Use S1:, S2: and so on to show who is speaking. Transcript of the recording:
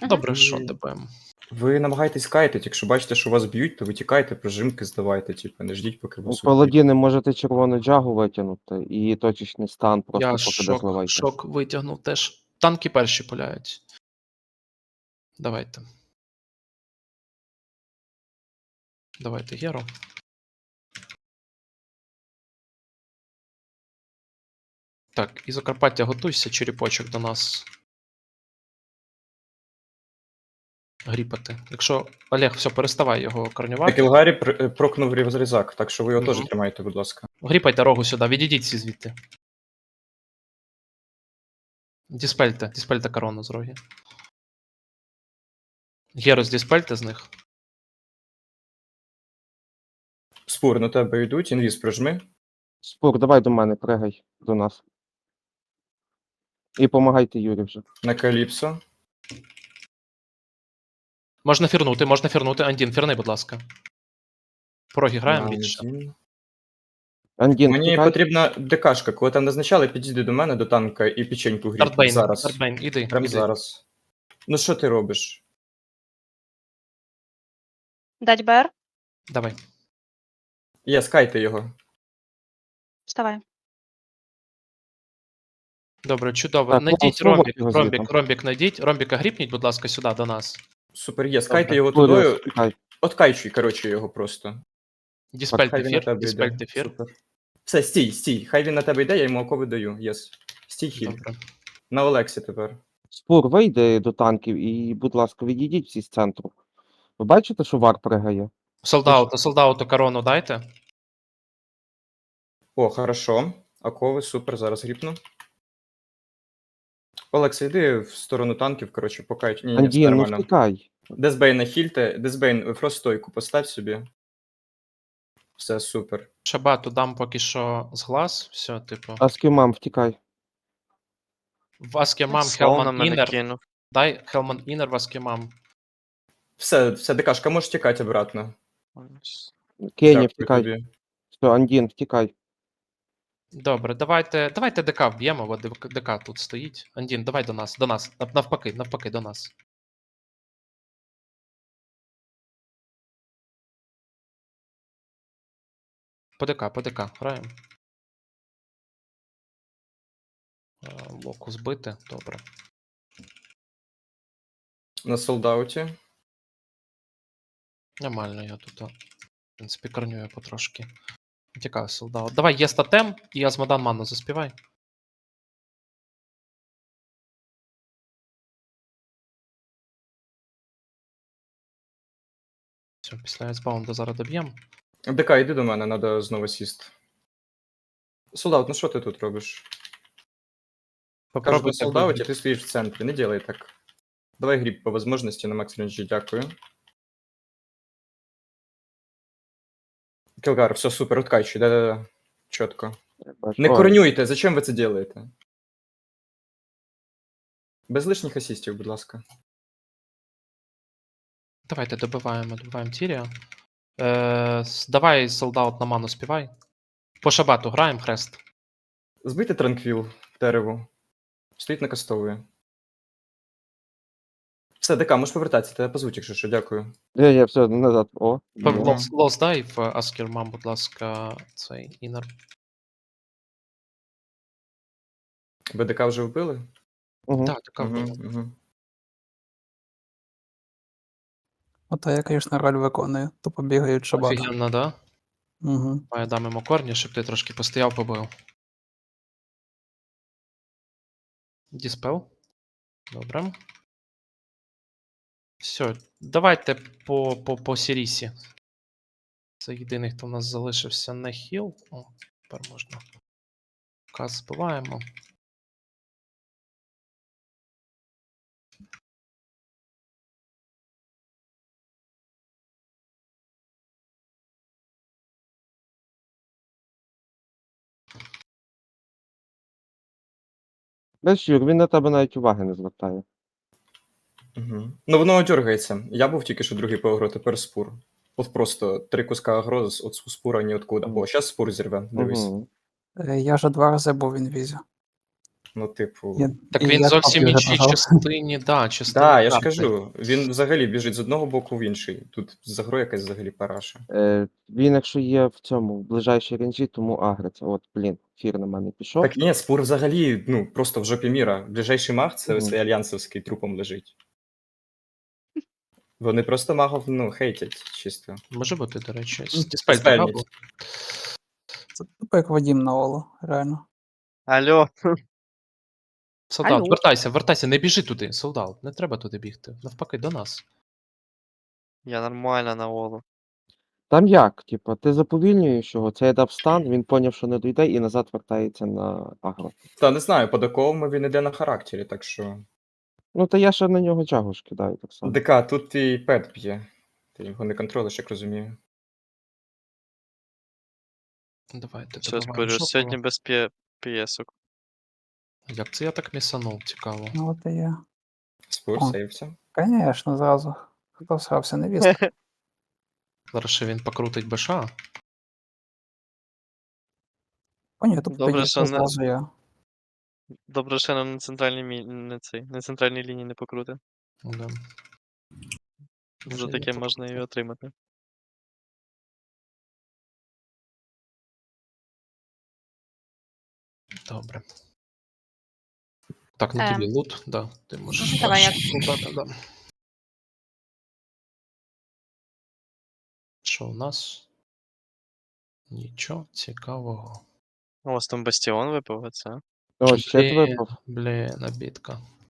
S1: Добре,
S2: І
S1: що ДБМ.
S2: ви намагаєтесь кайтити, якщо бачите, що вас б'ють, то ви тікайте, прижимки здавайте, типу, не ждіть, поки вас уб'ють.
S3: Паладіни можете червону джагу витягнути і точечний стан просто
S1: Я
S3: поки дозливайте.
S1: шок витягнув теж. Танки перші пуляють. Давайте. Давайте Геру. Так, і Закарпаття, готуйся, черепочок до нас. Гріпати. Якщо Олег, все, переставай його корнювати.
S2: Кілгарі прокнув різак, так що ви його
S1: Мгм.
S2: теж тримайте, будь ласка.
S1: Гріпайте рогу сюди, відійдіть всі звідти. Діспельте корону з роги. Герус, діспельте з них.
S2: Спур, на тебе йдуть, інвіз прижми.
S3: Спур, давай до мене, пригай до нас. І помагайте Юрі вже.
S2: На Каліпсо.
S1: Можна фірнути. Андін, фірни, будь ласка. Пороги граємо
S2: на
S1: більше.
S2: Андін.
S3: Андін,
S2: Мені
S3: втікай.
S2: потрібна ДКшка, коли там назначали, підійди до мене, до танка і печеньку гріть. Зараз.
S1: Дартбейн, іди.
S2: Прям зараз. Ну що ти робиш?
S4: Дать БР?
S1: Давай.
S2: Є, скайте його.
S4: Вставай.
S1: Добре, чудово.
S3: Так,
S1: Найдіть
S3: слово
S1: ромбік,
S3: його
S1: ромбік,
S3: звідти.
S1: ромбік найдіть. Ромбіка гріпніть, будь ласка, сюди до нас.
S2: Супер, є, скайте
S1: Добре.
S2: його
S3: Юрій,
S2: тудою.
S3: втікай.
S2: Откайчуй, коротше, його просто.
S1: Діспельте
S2: Хай він на
S1: фір,
S2: тебе йде.
S1: діспельте фір.
S2: Супер. Все, стій. Хай він на тебе йде, я йому окови даю. Єс. Стій хіль.
S1: Добре.
S2: На Олексі тепер.
S3: Спур, вийди до танків і, будь ласка, відійдіть всі з центру. Ви бачите, що вар пригає?
S1: Солдату корону дайте.
S2: О, хорошо. Окови, супер, зараз гріпну. Олекса, йди в сторону танків, коротше, покають. Ні, все
S3: Андін, ну
S2: нормально.
S3: втікай.
S2: Дезбейна хільте. Дезбейн, фростойку постав собі. Все, супер.
S1: Шабату дам поки що з глаз. Все, типу.
S3: Аскімам, втікай.
S1: В Аскемам
S5: Слон на
S1: Хелман
S5: мене
S1: Інер.
S5: кинув.
S1: Дай Хелман Інер в Аскемам.
S2: Все, ДКшка, можеш тікати обратно.
S3: Кені,
S2: Дякую
S3: втікай.
S2: тобі.
S3: Все, Андін, втікай.
S1: Добре, давайте ДК вб'ємо, бо ДК тут стоїть. Андін, давай до нас. Навпаки, до нас. По ДК, граємо. Локу збити, добре.
S2: На солдауті.
S1: Нормально, я тут, в принципі, корнюю потрошки. Тікаю солдат. Давай, є статем, і Азмодан ману заспівай. Все, після айсбаунда зараз доб'ємо.
S2: ДК, йди до мене, треба знову сіст. Солдат, ну що ти тут робиш? Кажу, на
S1: Попробуйте
S2: солдауті,
S1: вибити.
S2: ти стоїш в центрі, не делай так. Давай гріб по можливості на макс ренджі, дякую. Кілгар, все супер, откачуй, да-да-да. Чітко. Не
S3: Ой,
S2: корнюйте, зачем ви це делаєте? Без лишніх асістів, будь ласка.
S1: Давайте добиваємо Тірія. Давай солдат на ману співай. По шабату граємо хрест.
S2: Збийте транквіл дереву. Стоїть накастовує. Все, ДК, можеш повертатися, тебе позвуть, якщо що, дякую.
S3: Ні, все, назад. О.
S2: Мгм.
S1: Лос дай в Аскермам, будь ласка, цей інер.
S2: Ви ДК вже вбили?
S3: Угу.
S1: Так, така вбила.
S2: Мгм.
S6: Ото я, звісно, роль виконую, то побігають шабата.
S1: Офігенно, да?
S6: Угу.
S1: Я дам йому корні, щоб ти трошки постояв, побив. Діспел. Добре. Все, давайте по Сірісі. Це єдиний, хто в нас залишився на хіл. О, тепер можна. Каз збиваємо.
S3: Бачиш, Юр, він на тебе навіть уваги не звертає.
S2: Угу. Ну воно дергається. Я був тільки що другий по агро, тепер спур. От просто 3 куска агро от спура ніоткуда. О, зараз спур зірве, дивись.
S3: Угу.
S6: Я вже 2 рази був в інвізі.
S2: Ну, типу.
S1: Так
S6: І
S1: він
S6: я
S1: зовсім
S6: кнопки вже
S1: іншій
S6: нажав.
S1: частині, да, частині
S2: Да, я ж
S1: карти.
S2: кажу, він взагалі біжить з одного боку в інший. Тут за грою якась взагалі параша.
S3: Він, якщо є в цьому, в ближайшій ренджі, тому агриться. От, блін, фір на мене пішов.
S2: Так ні, спур взагалі, ну, просто в жопі міра. Ближайший маг це
S3: Мгм.
S2: цей альянсовський трупом лежить. Вони просто магов, ну, хейтять чисто.
S1: Може бути, до речі.
S2: Ну,
S1: Діспель
S2: Диспельніть.
S1: така був?
S6: Це тупо як Вадім на Олу, реально.
S5: Алло.
S1: Солдат,
S4: Алло.
S1: вертайся, не біжи туди, солдат. Не треба туди бігти. Навпаки, до нас.
S5: Я нормально на Олу.
S3: Там як? Типа, ти заповільнюєш його, цей дав стан, він поняв, що не дійде, і назад вертається на агро.
S2: Та не знаю, по доковому він іде на характері, так що.
S3: Ну, та я ще на нього джагу ж кидаю так само.
S2: ДК, тут твій пет б'є. Ти його не контролиш, як розумію.
S1: Давайте,
S5: Все,
S1: добиваємо
S5: спорю,
S1: жопу.
S5: сьогодні без п'єсок.
S1: Як це я так місанув, цікаво.
S6: Ну от і я.
S2: Спур,
S6: О.
S2: сейвся.
S6: Звісно, зразу. Хто срався, невістка.
S1: Зараз ще він покрутить БШ.
S6: О, ні, тут
S5: Добре,
S6: тоді
S5: що не-
S6: зразу я.
S5: Добре, що нам на центральній на центральній лінії не покрути.
S1: Да.
S5: За
S1: Вже
S5: таке
S1: є
S5: можна і
S1: покрутив.
S5: отримати.
S1: Добре. Так, ну тобі лут, да. Ти можеш.
S4: Давай я.
S1: Да. Що у нас? Нічого цікавого.
S5: У вас там бастіон випав, це?
S3: О, ще ти
S1: Блін,
S3: випав.
S1: Блін, обідка.